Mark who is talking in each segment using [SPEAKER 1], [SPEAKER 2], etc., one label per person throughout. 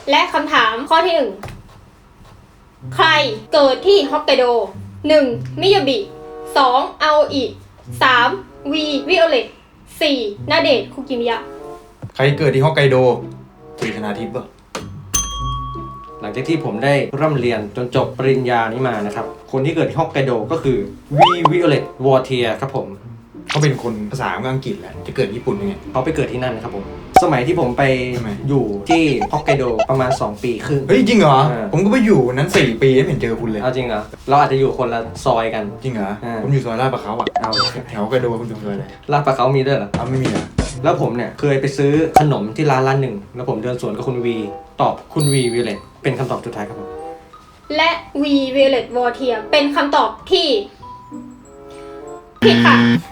[SPEAKER 1] และคำถามข้อที่ 1 ใครเกิดที่ฮอกไกโด 1. มิยาบิ 2. อาโออิ 3. วีวิโอเลต 4. นาเดชน์คุกิมิยะ
[SPEAKER 2] ใครเกิดที่ฮอกไกโดตรีธนาทิพย์ป่ะ
[SPEAKER 3] หลังจากที่ผมได้ร่ำเรียนจนจบปริญญานี้มานะครับคนที่เกิดที่ฮอกไกโดก็คือวีวิโอเลตวอเทียครับผม
[SPEAKER 2] เขาเป็นคนภาษาอังกฤษแหละจะเกิดญี่ปุ่นยังไง
[SPEAKER 3] เขาไปเกิดที่นั่นนะครับผมสมัยที่ผมไป
[SPEAKER 2] ทำไม
[SPEAKER 3] อยู่ที่ฮอกไกโดประมาณ2 ปีครึ่ง
[SPEAKER 2] เฮ้ยจริงเหรอ
[SPEAKER 3] เออ
[SPEAKER 2] ผมก็ไปอยู่นั้น4 ปีไม่เห็นเจอคุณเลย
[SPEAKER 3] เอาจริงเหรอเราอาจจะอยู่คนละซอยกัน
[SPEAKER 2] จริงเหรอ
[SPEAKER 3] เออ
[SPEAKER 2] ผมอยู่ซอยลาดประเขาอ่ะ
[SPEAKER 3] เอา
[SPEAKER 2] แถวฮอกไกโดคุณอยู่ซอยอะไร
[SPEAKER 3] ลาดปลาเขามีด้วยเหรอ
[SPEAKER 2] อ้าวไม่มีเหรอ
[SPEAKER 3] แล้วผมเนี่ยเคยไปซื้อขนมที่ร้านหนึ่งแล้วผมเดินสวนกับคุณวีตอบคุณวีวิโอเลตเป็นคำตอบสุดท้ายครับผม
[SPEAKER 1] และวีวิโอเลตวอเทียเป็นคำตอบที่ผิดค่ะ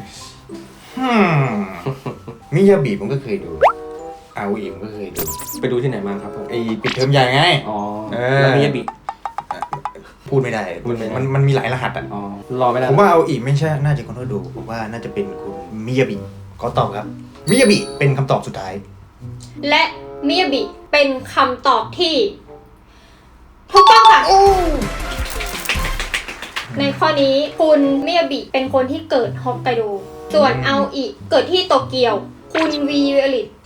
[SPEAKER 2] มิยาบิผมก็เคยดูอาโออิผมก็เคยดู
[SPEAKER 3] ไปดูที่ไหนมาครับผม
[SPEAKER 2] ไอปิดเทอมใหญ่ไง
[SPEAKER 3] อ๋อ
[SPEAKER 2] เออ
[SPEAKER 3] แล้วมิยาบิ
[SPEAKER 2] พูดไม่ได้
[SPEAKER 3] พูดไม่ได้
[SPEAKER 2] มันมีหลายรหัสอ่ะ
[SPEAKER 3] อ๋อรอไม่ได้
[SPEAKER 2] ผมว่าอาโออิไม่ใช่น่าจะคนที่ดูผมว่าน่าจะเป็นคุณมิยาบิขอตอบครับมิยาบิเป็นคำตอบสุดท้าย
[SPEAKER 1] และมิยาบิเป็นคำตอบที่ถูกต้องค่ะ ในข้อนี้คุณมิยาบิเป็นคนที่เกิดฮอกไกโด ส่วนอาโออิเกิดที่โตเกียว คุณวีวิโอเลต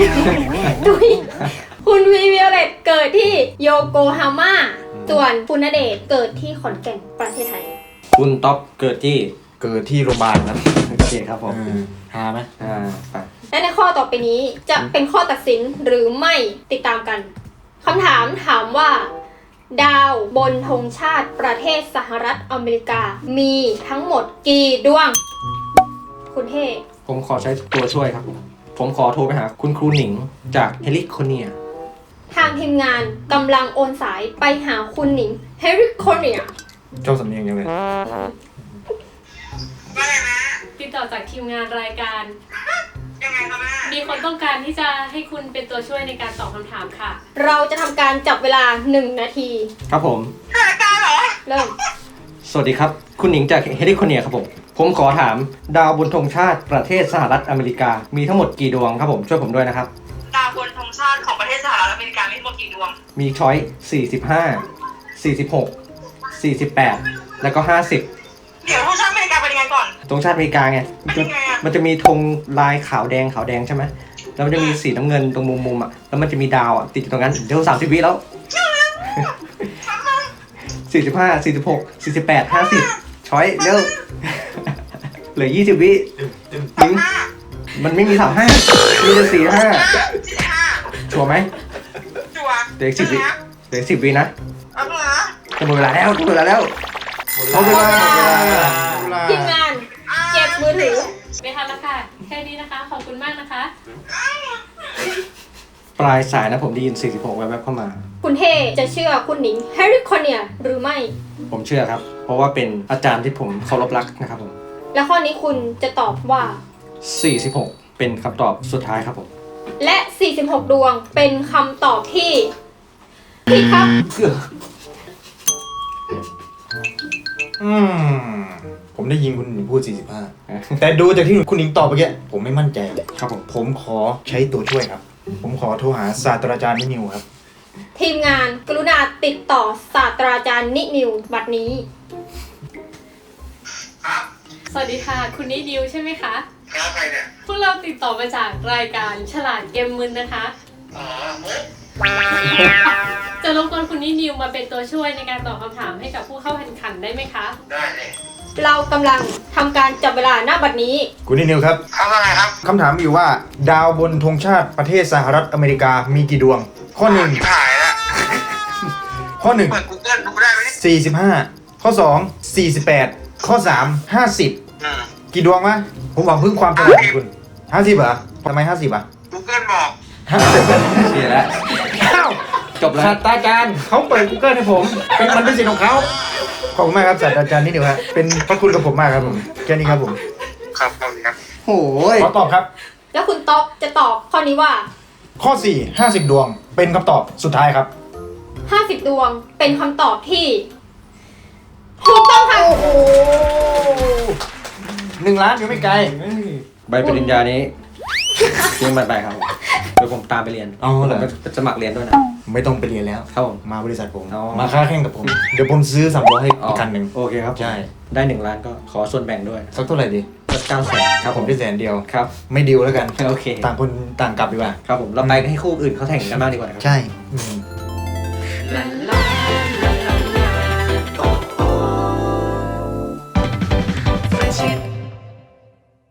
[SPEAKER 1] คุณวีวิโอเลตเกิดที่โยโกฮาม่า ส่วนคุณณเดชน์เกิดที่ขอนแก่นประเทศไทย
[SPEAKER 3] คุณท็อปเกิดที่
[SPEAKER 2] เกิดที่โรงพยาบาลครับ
[SPEAKER 3] โอเคครับผม
[SPEAKER 2] หาไหม
[SPEAKER 3] ไป
[SPEAKER 1] และในข้อต่อไปนี้จะเป็นข้อตัดสินหรือไม่ติดตามกัน คำถามถามว่า ดาวบนธงชาติประเทศสหรัฐอเมริกา มีทั้งหมดกี่ดวง คุณเท่
[SPEAKER 3] ผมขอใช้ตัวช่วยครับผมขอโทรไปหาคุณครูหนิงจากเฮลิโคเนีย
[SPEAKER 1] ทางทีมงานกำลังโอนสายไปหาคุณหนิงเฮริคอนเนีย
[SPEAKER 2] เจ้าสำเนียงยังไง
[SPEAKER 4] ติดต่อจากทีมงานรายการ
[SPEAKER 5] ยังไงคะแม่
[SPEAKER 4] มีคนต้องการที่จะให้คุณเป็นตัวช่วยในการตอบคำถามค่ะ
[SPEAKER 1] เราจะทำการจับเวลา 1 นาที
[SPEAKER 3] ครับผม
[SPEAKER 5] รายการเหรอ
[SPEAKER 1] เริ่ม
[SPEAKER 3] สวัสดีครับ คุณหนิงจากเฮลิโคเนียครับผมขอถามดาวบนธงชาติประเทศสหรัฐอเมริกา มีทั้งหมดกี่ดวงครับผมช่วยผมด้วยนะครับ
[SPEAKER 5] ดาวบนธงชาติของประเทศสหรัฐอเมริกามีทั้งหมดกี่ดวง
[SPEAKER 3] มีช้อย45 46 48 แล้วก็ 50
[SPEAKER 5] เดี๋ยวธงชาติอเมริกาเป็นยังไงก่อน
[SPEAKER 3] ธงชาติอเมริกาไง
[SPEAKER 5] เป็นยังไงอะ
[SPEAKER 3] มันจะมีธงลายขาวแดงใช่ไหมแล้วมันจะมีสีน้ำเงินตรงมุมอ่ะแล้วมันจะมีดาวอ่ะติดอยู่ตรงนั้นเดี๋ยว30 วิแล้ว45 46 48 50ช้อยเร็ว เหลือ20 วิหนิงมันไม่มี35มีแต่45
[SPEAKER 5] 45
[SPEAKER 3] ชัวร์ไหม
[SPEAKER 5] จัว
[SPEAKER 3] เหลืออีก10 วิเหลืออีก10 วินะ
[SPEAKER 5] เอาเหรอ
[SPEAKER 3] จะหมดเวลาแล้วหมดเวลาแล้วหมดเวลา
[SPEAKER 1] ทีมงานเก็บมือถือ
[SPEAKER 4] ไม่ทันแล้วค่ะ แค่นี้นะคะ ขอบคุณมากนะคะ
[SPEAKER 3] ปลายสายนะผมได้ยิน46แวบๆเข้ามา
[SPEAKER 1] คุณเท่จะเชื่อคุณหนิงเฮริคอนเนียหรือไม่
[SPEAKER 3] ผมเชื่อครับ เพราะว่าเป็นอาจารย์ที่ผมเคารพรักนะครับผม
[SPEAKER 1] และข้อนี้คุณจะตอบว่า
[SPEAKER 3] 46เป็นคำตอบสุดท้ายครับผม
[SPEAKER 1] และ 46 ดวงเป็นคำตอบที่ผิดครับ
[SPEAKER 2] ผมได้ยินคุณหนิงพูด 45 แต่ดูจากที่คุณหนิงตอบเมื่อกี้ผมไม่มั่นใจเลย
[SPEAKER 3] ครับผม
[SPEAKER 2] ผมขอใช้ตัวช่วยครับ ผมขอโทรหาศาสตราจารย์นิวครับ
[SPEAKER 1] ทีมงานกรุณาติดต่อศาสตราจารย์นินิวบัดนี้
[SPEAKER 5] ครับ
[SPEAKER 4] สวัสดีค่ะ คุณนิดิวใช่ไหมคะ
[SPEAKER 5] ครับใครเนี่ย
[SPEAKER 4] พวกเราติดต่อมาจากรายการฉลาดเกมมึนนะคะ
[SPEAKER 5] อ๋อมุก
[SPEAKER 4] จะรบกวนคุณนิดิวมาเป็นตัวช่วยในการตอบคำถามให้กับผู้เข้าแข่งขันได้ไหมคะ
[SPEAKER 5] ได้เลย
[SPEAKER 1] เรากำลังทำการจับเวลาหน้าบัดนี้
[SPEAKER 2] คุณนิวครับ
[SPEAKER 5] ครับว่าไงครับ
[SPEAKER 2] คำถามมีอยู่ว่า ดาวบนธงชาติประเทศสหรัฐอเมริกามีกี่ดวง ข้อ
[SPEAKER 5] ถ่ายแล้ว
[SPEAKER 2] 1 ข้อ
[SPEAKER 5] เปิด Google ดูได้ไหมเนี่ย
[SPEAKER 2] 1 45 ข้อ 2 48 ข้อ 3 50 กี่ดวงวะผมหวังพึ่งความฉลาดของคุณ 50เหรอทำไม 50อ่ะ
[SPEAKER 5] Google บอก
[SPEAKER 3] เสียแล้ว
[SPEAKER 2] อ้าว
[SPEAKER 3] จบแล้ว
[SPEAKER 2] ศาสตราจารย์เขาเปิด Google ให้ผม มันเป็นสิทธิ์ของเขาขอบคุณมากครับศาสตราจารย์นิวครับเป็นพระคุณกับผมมากครับผมแค่นี้ครับผม
[SPEAKER 5] ครับขอบคุณครับ
[SPEAKER 3] โอ้ย
[SPEAKER 2] ขอตอบครับ
[SPEAKER 1] แล้วคุณต๊อกจะตอบข้อนี้ว่า
[SPEAKER 2] ข้อ 4 50 ดวง เป็นคำตอบสุดท้ายครับ
[SPEAKER 1] 50 ดวงเป็นคำตอบที่ถูกต้องค่ะ
[SPEAKER 2] 1 ล้านอยู่ไม่ไกล
[SPEAKER 3] ใบปริญญานี้ทิ้งมันไปครับเดี๋ยวผมตามไปเรียน
[SPEAKER 2] อ๋อเหรอ
[SPEAKER 3] ผมจะสมัครเรียนด้วยนะ
[SPEAKER 2] ไม่ต้องไปเรียนแล้ว
[SPEAKER 3] ครับผม
[SPEAKER 2] มาบริษัทผม
[SPEAKER 3] อ๋อ
[SPEAKER 2] มาค้าแข่งกับผม เดี๋ยวผมซื้อสำรองให้อีกคันหนึ่ง
[SPEAKER 3] โอเคครับผม
[SPEAKER 2] ใช่
[SPEAKER 3] ได้1 ล้านก็ขอส่วนแบ่งด้วย
[SPEAKER 2] สักเท่าไหร่ดี
[SPEAKER 3] ก็900,000
[SPEAKER 2] ครับผมได้100,000
[SPEAKER 3] ครับ
[SPEAKER 2] ไม่ดิวแล้วกัน
[SPEAKER 3] โอเค
[SPEAKER 2] ต่างคนต่างกลับดีกว่า
[SPEAKER 3] ครับผมเราไปให้คู่อื่นเขาแข่งกันบ้างดีกว่านะครับ
[SPEAKER 2] ใช่
[SPEAKER 1] ลาลา